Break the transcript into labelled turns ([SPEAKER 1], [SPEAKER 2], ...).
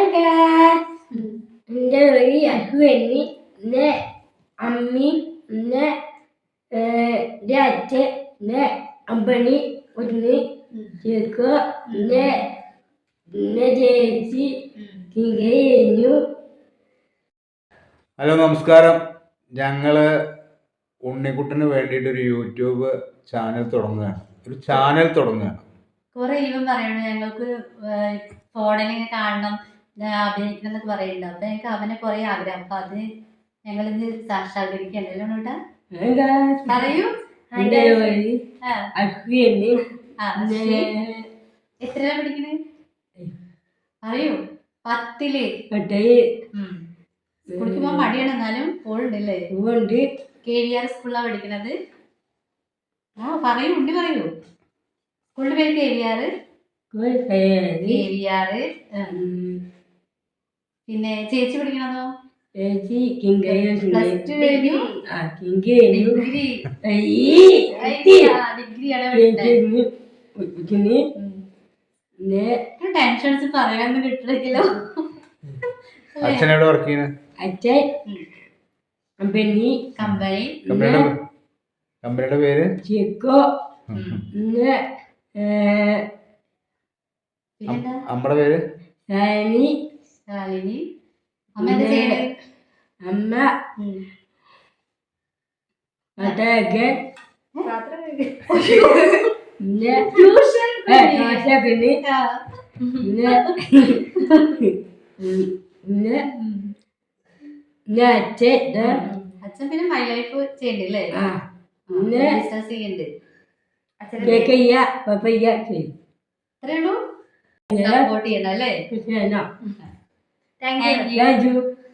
[SPEAKER 1] എൻ്റെ പേര് അശ്വനി. എൻ്റെ അമ്മി, എൻ്റെ അച്ഛൻ, എൻ്റെ അമ്പണി, ഒന്ന് ചേക്കോ, എൻ്റെ ചേച്ചി കഴിഞ്ഞു.
[SPEAKER 2] ഹലോ, നമസ്കാരം. ഞങ്ങള് ഉണ്ണിക്കുട്ടന് വേണ്ടിയിട്ട് ഒരു യൂട്യൂബ് ചാനൽ തുടങ്ങുകയാണ്.
[SPEAKER 3] കുറെ ഇവൻ പറയണു ഞങ്ങൾക്ക് ഫോണിൽ കാണണം, അഭിനയിക്കണം എന്നൊക്കെ പറയുന്നുണ്ട്. അപ്പൊ ഞങ്ങൾക്ക് അവനെ കുറെ ആഗ്രഹം. അപ്പൊ അത് ഞങ്ങളിത് സാക്ഷാത്കരിക്കണ്ടല്ലോ. പറയൂ. എത്രയാ പഠിക്കണേ? പറയൂ. 10ല്. കുടിക്കുമ്പോ മടിയാണ്, എന്നാലും പോളുണ്ടല്ലേ? KVR സ്കൂളിലാണ് പഠിക്കണത്. പറയൂ, ഉണ്ണി പറയൂ. സ്കൂളിന്റെ പേര് KVR. പിന്നെ ചേച്ചി പഠിക്കണതോ? പ്ലസ് 2 കഴിഞ്ഞു. ഡിഗ്രിയാണ്. ടെൻഷൻസ് പറയാനൊന്നും കിട്ടില്ലല്ലോ.
[SPEAKER 2] അച്ഛനോട് വർക്ക് ചെയ്യുന്നത്?
[SPEAKER 1] അച്ഛൻ കമ്പനിയുടെ
[SPEAKER 2] പേര്
[SPEAKER 1] ചിക്കോ.
[SPEAKER 2] അമ്മയുടെ പേര്
[SPEAKER 3] ശാലിനി. അമ്മ എന്താ ചെയ്യണേ?
[SPEAKER 1] അമ്മ
[SPEAKER 3] അച്ഛൻ പിന്നെ മൈ ലൈഫ് ചെയ്യണ്ടല്ലേ? ബിസിനസ് ചെയ്യണ്ട്. അത്രേ ഉള്ളൂ. സപ്പോർട്ട് ചെയ്യണം അല്ലേ?
[SPEAKER 1] Thank U.